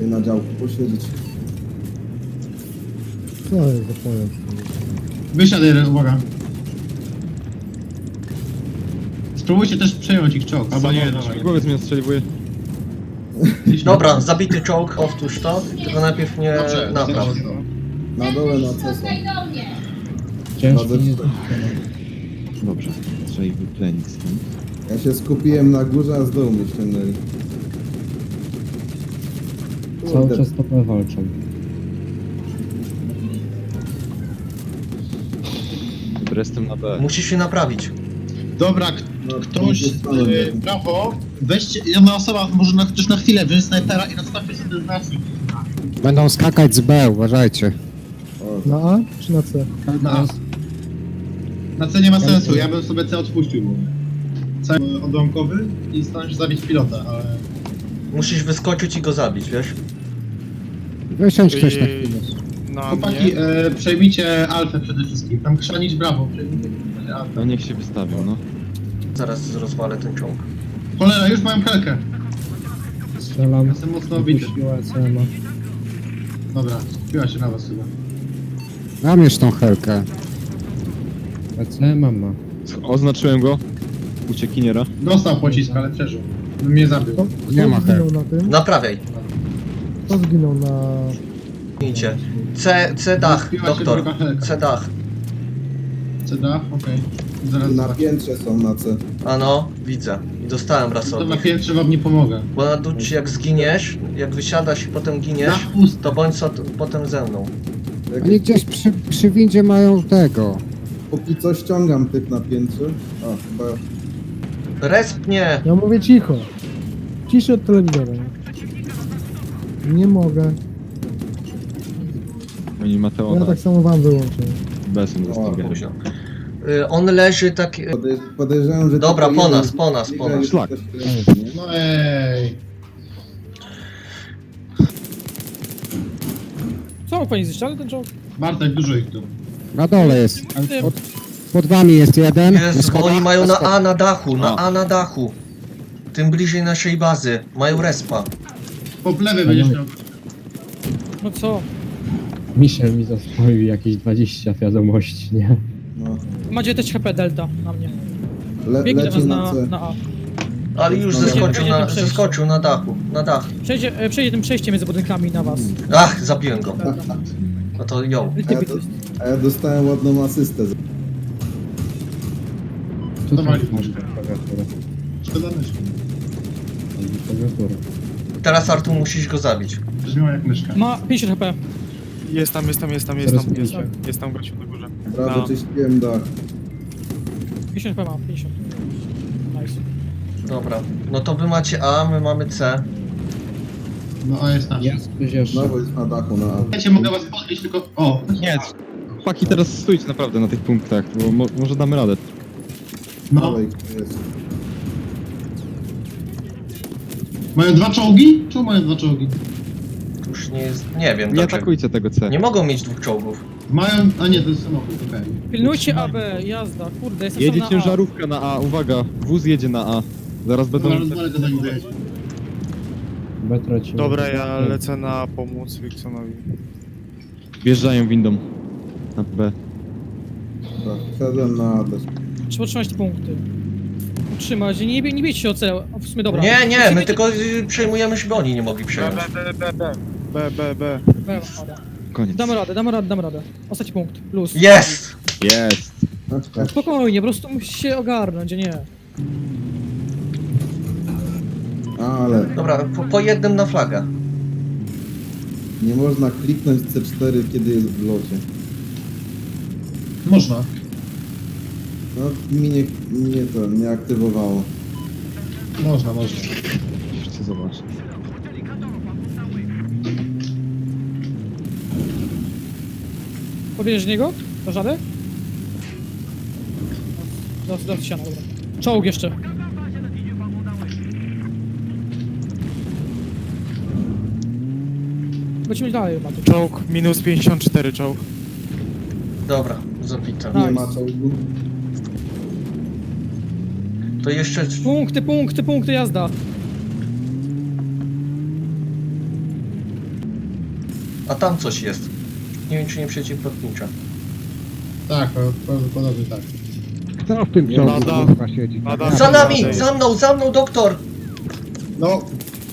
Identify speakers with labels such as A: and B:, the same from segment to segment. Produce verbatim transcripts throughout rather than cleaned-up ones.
A: Sobie na działku posiedzieć.
B: Co jest za pojazd?
C: Wysiadaj, jeden, uwaga. Spróbujcie też przejąć ich czołg, albo nie, dawaj.
D: Głowiec mnie ostrzeliwuje.
E: Dobra, zabity czołg, powtórz to, tylko najpierw nie
C: Dobrze,
E: napraw.
A: Na dole na C są.
B: Ciężko
A: Bardzo-
B: nie
D: Dobrze, trzeba ich wyplenić stąd.
A: Ja się skupiłem na górze, a z dołu mnie ściągnęli.
B: Cały
A: Kurde,
B: czas topę walczą.
D: Dobra, jestem na B.
E: Musisz się naprawić.
C: Dobra, k-
A: no,
C: ktoś,
A: to jest stalem,
C: yy,
A: nie?
C: brawo, weźcie, jedna osoba może na, chociaż na chwilę wziąć snajpera i nastawcie sobie znacznik.
F: Będą skakać z B, uważajcie.
A: O,
B: Na A czy na C?
C: Na A. Na C nie ma sensu, ja bym sobie C odpuścił. Bo C odłamkowy i staram się zabić pilota, ale...
E: Musisz wyskoczyć i go zabić, wiesz?
F: Wysiądź ktoś na chwilę.
G: Na
C: Chłopaki,
G: mnie.
C: e, przejmijcie Alfę przede wszystkim. Tam krzanić brawo, przejmijcie Alfę.
D: No niech się wystawią, no.
E: Zaraz rozwalę ten czołg.
C: Cholera, już mają helkę.
B: Strzelam.
C: Jestem mocno obity.
B: Wypuściła C M A.
C: Dobra, skupiła się na was chyba.
F: Dam już tą helkę.
B: C M A ma.
D: Oznaczyłem go. Uciekiniera.
C: Dostał pocisk, ale przeżył. Mnie zabił.
B: Kto,
F: Nie
B: kto
F: ma
B: zginął
F: her.
B: na tym?
E: Naprawiaj.
B: Kto zginął na...
E: Idźcie. C, C dach,
C: Rozbiła się
E: doktor.
C: druga helka.
E: C dach.
C: C D, okej. Zaraz
A: na
C: zobaczę.
A: piętrze są na C.
E: Ano, widzę. I dostałem raz
C: To
E: od
C: na
E: nich.
C: piętrze wam nie pomogę.
E: Bo na dół, jak zginiesz, jak wysiadasz i potem giniesz,
C: Na pust.
E: to bądź so, potem ze mną.
A: Jak
F: Oni gdzieś przy, przy windzie mają tego.
A: póki co ściągam tych na piętrze. O, chyba
E: Resp nie!
B: Ja mówię cicho. Ciszy od telewizora. Nie mogę.
D: Oni
B: Ja
D: Mateona.
B: tak samo wam wyłączę.
D: B są
A: O,
D: zostawieni.
E: Późno. Y, on leży tak... y,
A: podej podejrzewam, że...
E: Dobra,
A: tylko
E: po
A: jeden-
E: nas, po nas, po nas.
D: Szlak.
A: Nie?
C: No ej.
H: Co, pani zniszczali ten czołg?
C: Bartek, dużo ich tu.
F: Na dole jest.
H: Ty,
F: Pod, pod wami jest jeden.
E: Jezu, bo oni mają na
F: A.
E: A na dachu, na
D: A.
E: A na dachu. Tym bliżej naszej bazy. Mają respa.
C: Po lewej będziesz miał.
H: no co?
B: Michel mi zaspoił jakieś dwadzieścia wiadomości, nie?
A: No.
H: Ma dziewiętnaście H P Delta na mnie.
A: Le
H: Biegnie do
A: leci
H: was
A: na
H: na,
A: C.
H: na A.
E: Ale już
A: No,
E: zeskoczył
H: przejdzie
E: na,
H: tym przejściem.
E: zeskoczył na dachu, na dach.
H: Przejdzie, e, przejdzie tym przejściem między budynkami na was.
E: Ach, zabiłem go.
H: Delta.
E: No to ją.
A: A ja,
H: Typy
A: do, a ja dostałem ładną asystę.
B: Tutaj
C: Dawaj.
B: masz klawiaturę.
C: Szkoda myszki.
B: Klawiaturę.
E: Teraz Artur musisz go zabić.
C: Brzmiała jak myszka.
H: Ma pięćdziesiąt H P.
G: Jest tam, jest tam, jest tam, jest
B: Teraz
G: tam, jest,
B: wiecie.
G: jest tam gościu na górze.
A: Prawda,
G: No.
A: czyściłem dach.
H: pięćdziesiąt H P ma, pięćdziesiąt. Nice.
E: Dobra. No to wy macie A, my mamy C.
C: No a jest nasz.
B: Jest ktoś jeszcze.
A: Znowu jest na dachu na A.
C: Słuchajcie, mogę was podnieść tylko... O!
D: Nie, chłopaki teraz stójcie naprawdę na tych punktach, bo mo może damy radę.
C: No.
A: Dalej, kto jest.
C: Mają dwa czołgi? Czemu mają dwa czołgi?
E: Już nie jest... Nie wiem
D: Nie
E: dlaczego.
D: atakujcie tego C.
E: Nie mogą mieć dwóch czołgów.
C: Mają... A nie, to jest samochód, okej.
H: Pilnujcie A B, jazda, kurde, jestem
D: Jedzie
H: sam na
D: ciężarówka na A, uwaga, wóz jedzie na A. Zaraz będą...
C: Dobra, rozwalę go zanim dojedzie.
B: B tracimy.
G: Dobra, ja lecę na pomóc Wilsonowi.
D: Wjeżdżają windą. Na B.
A: Dobra, wszedłem na A też.
H: A. Trzeba trzymać te punkty. Utrzymać, nie, nie bijcie się o C. O, w sumie dobra.
E: Nie, nie, my
H: Utrzymajcie-
E: tylko y, przejmujemy, żeby oni nie mogli
G: B,
E: przejąć.
G: B, B, B, B. B, B, B.
H: B, dobra.
D: Koniec.
H: Damy radę, damy radę, damy radę. Ostatni punkt, plus.
E: Jest!
D: Jest!
A: Znaczy,
H: Spokojnie, po prostu musisz się ogarnąć, a nie.
A: ale
E: Dobra, po, po jednym na flagę.
A: nie można kliknąć C cztery, kiedy jest w locie.
C: Można.
A: No, mi nie, nie to, nie aktywowało.
C: Można, można.
D: Chcę zobaczyć.
H: Pobierzesz niego? Dasz radę? Dos, dos ściana, dobra. Czołg jeszcze. Lecimy dalej, Matu.
G: Czołg, minus pięćdziesiąt cztery czołg.
E: Dobra, zabite.
A: Nie
H: Nice.
A: ma czołgu.
E: To jeszcze...
H: Punkty, punkty, punkty, jazda.
E: A tam coś jest. Nie wiem, czy nie przeciwlotnicza.
C: Tak, prawdopodobnie tak.
F: Kto w tym
G: Nie,
F: czołgu
G: lada.
F: kurwa siedzi?
G: Lada.
E: Za nami! Za mną, za mną, doktor!
C: No.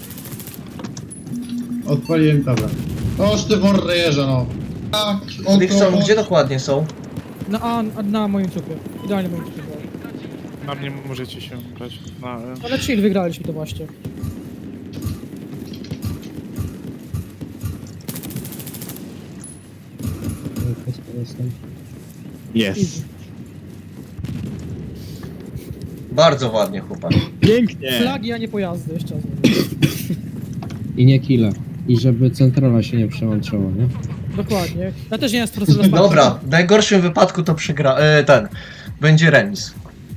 C: Odpaliłem tablet. Oż ty worrejerze, no. Tak, oto...
E: Dixon, gdzie dokładnie są?
H: Na, a, na moim trupie. Idealnie moim trupie. było.
G: Na mnie możecie się brać. Na, e.
H: Ale chill, wygraliśmy to właśnie.
D: Jest.
E: Bardzo ładnie, chłopak.
D: Pięknie!
H: Flagi, a nie pojazdy, jeszcze raz.
I: I nie kile. I żeby centrala się nie przełączyła, nie?
H: Dokładnie. Ja też nie jestem profesorem Sparty.
E: Dobra, w najgorszym wypadku to przegra... E, ten. Będzie remis.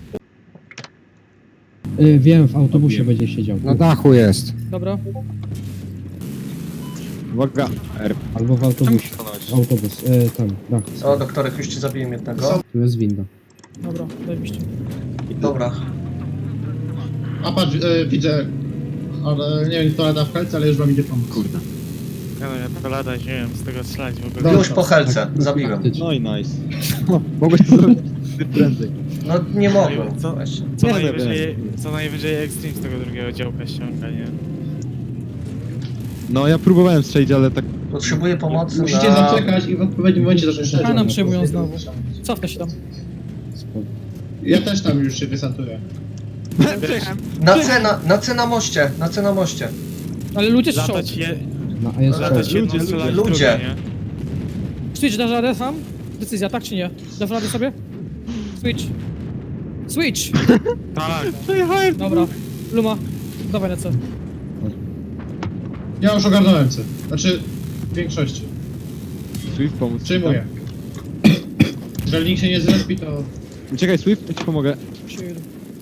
I: Y, wiem, w autobusie będzie siedział.
F: Na dachu jest.
H: Dobra.
D: Uwaga. R.
I: Albo w autobusie. Autobus, y, tam, dach.
E: O, doktorek, już ci zabiłem jednego.
I: Tu jest winda.
H: Dobra, zajebiście.
E: Dobra.
C: A patrz, e, widzę... Ale nie wiem, kto lada w helce, ale już wam idzie pomóc.
D: Kurde.
G: Ja no, ja to lada, nie wiem, z tego strzelać w ogóle.
C: Dobra.
E: Już po helce, zabiłem.
I: Praktycznie.
D: No i nice. Mogłeś to zrobić prędzej.
E: No nie mogłem.
G: Co?
E: Właśnie.
G: Co
D: Nie,
G: najwyżej, co najwyżej Extreme z tego drugiego działka ściąga, nie?
D: No ja próbowałem strzelić, ale tak...
E: Potrzebuję pomocy
C: Musicie
E: na...
C: zaczekać i w odpowiednim momencie zacząć strzelać.
H: A nam przejmują znowu. Cofnę się tam.
I: Spoko.
C: Ja też tam już się wysantuję.
E: Na C, na, na C na moście, na C na moście.
H: Ale ludzie strzał.
G: Latać je...
I: No, a jest
G: Latać
I: czołg.
G: jedną, strzelać
E: ludzie.
G: drugie, nie?
H: Switch, dasz radę sam? Decyzja, tak czy nie? Dasz radę sobie? Switch. Switch!
G: Tak.
H: Dobra. Luma, dawaj na C.
C: Ja już ogarnąłem co. Znaczy, w większości.
D: Swift pomóc.
C: Przyjmuję. Jeżeli nikt się nie zrespi, to...
D: Uciekaj Swift, ja ci pomogę.
H: Chill.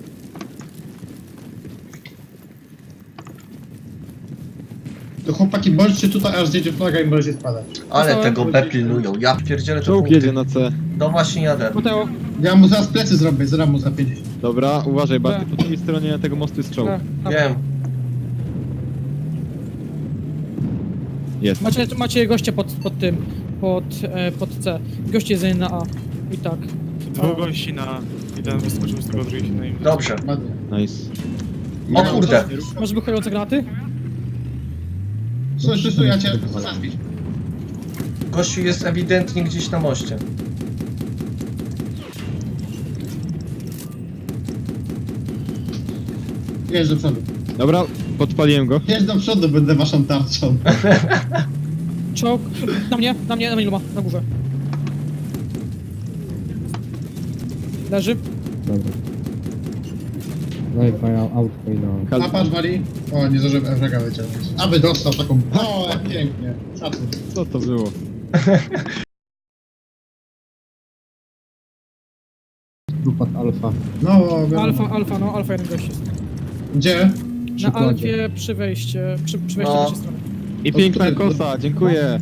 C: To chłopaki, bądźcie tutaj, aż zjedzie flaga i możecie spadać.
E: Ale
H: Dostałem.
E: tego B pilnują. Ja pierdzielę to
D: Czołg
E: punkty.
D: jedzie na C.
E: No właśnie jadę.
H: Mateo.
C: Ja mu zaraz plecy zrobię, zaraz mu za pięćdziesiąt.
D: Dobra, uważaj, Barty,
H: B.
D: po drugiej stronie tego mostu jest czołg.
H: A, a.
E: Wiem.
D: Jest.
H: Macie, macie gościa pod, pod tym, pod, e, pod C. Goście jest na A. I tak.
G: Dwóch gości na... Jeden wyskoczył z tego, drugi się na im...
E: Dobrze.
C: Ładnie.
D: Nice.
E: O kurde.
H: Masz wychylające granaty?
C: Słuchaj, Krzysztof, ja cię zaspić.
E: Gościu jest ewidentnie gdzieś na moście.
C: Jedź do przodu.
D: Dobra, podpaliłem go.
C: Jedź do przodu, będę waszą tarczą.
H: Czołg. Na mnie, na mnie, na mnie Luma, na górze. Leży.
I: Dobra. Daj fajna autko i na...
C: A patrz, Wali. O, nie zdążyłem Ewrega wyciągnąć. Aby dostał taką... O, jak pięknie. Szacun.
D: Co to było?
I: Upad alfa.
C: No, wiadomo.
H: Alfa, alfa, no, alfa jeden gość jest.
C: Gdzie?
H: Na
I: Przykładzie.
H: alfie przy wejście, przy, przy wejściu
E: No.
H: z naszej strony.
D: I piękna kosa, dziękuję.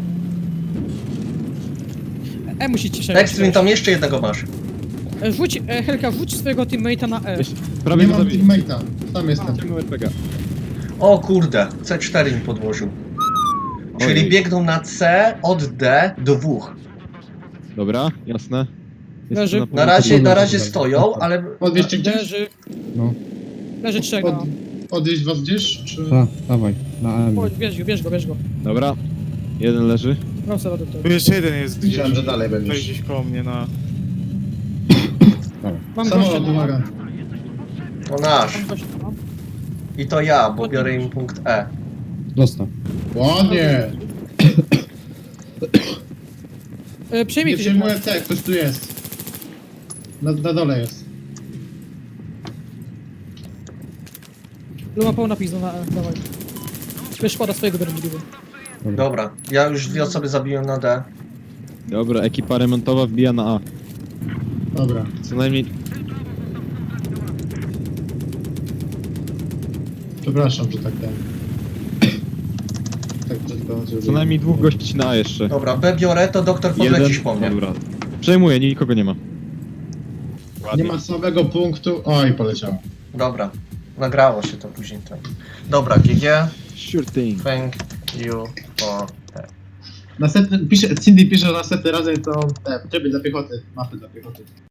H: E musicie się.
E: Extreme, tam jeszcze jednego masz.
H: E, Wrzuć, e, Helka, wrzuć swojego teammate'a na E.
D: Prawie
C: Nie
D: go
C: mam
D: zabiję.
C: teammate'a. Tam jestem.
D: Ciągnął R P G.
E: O kurde, C cztery mi podłożył. Czyli
D: Ojej.
E: biegną na C od D do dwóch.
D: Dobra, jasne. Jest
H: Leży.
D: to
E: Na razie,
I: Dobra,
E: na razie
I: dobra.
E: stoją, ale...
C: Podwieźcie gdzieś?
H: Leży.
I: No.
H: Leży trzech
C: Pod...
H: na
C: Odwieźć was gdzieś? Czy...
I: Ta, dawaj, na M.
H: Chodź, bierz go, bierz go, bierz go.
D: Dobra. Jeden leży.
H: Mam sobie radę
G: Tu
H: to.
G: jeszcze jeden jest gdzieś.
C: Myślałem, że dalej
G: Tutaj
C: będziesz.
G: gdzieś koło mnie na...
H: Mam gościa
C: Samolot,
H: na
C: uwaga.
E: To nasz.
H: Mam gościa na
E: I to ja, bo biorę im punkt E.
I: Dostaw.
C: Ładnie.
H: e, Przejmij
C: Nie
H: ty
C: przejmuję C, ktoś tu jest. Na, na dole jest.
H: Luma pełna pizda na E, dawaj. Wiesz, szkoda swojego berlidu.
E: Dobra, ja już dwie osoby zabiłem na D.
D: Dobra, ekipa remontowa wbija na A.
C: Dobra.
D: Co najmniej...
C: Przepraszam, że tak ten. Tak, że to...
D: Co najmniej dwóch gości na A jeszcze.
E: Dobra, B biorę, to doktor podlecisz po mnie.
D: Dobra. Przejmuję, nikogo nie ma.
C: Nie ma słabego punktu. Oj, poleciało.
E: Dobra, nagrało się to później. Tak. Dobra, G G,
D: Sure thing.
E: thank you for that.
C: Następny, pisze, Cindy pisze, że następny razem to te tryby dla piechoty, mapy dla piechoty.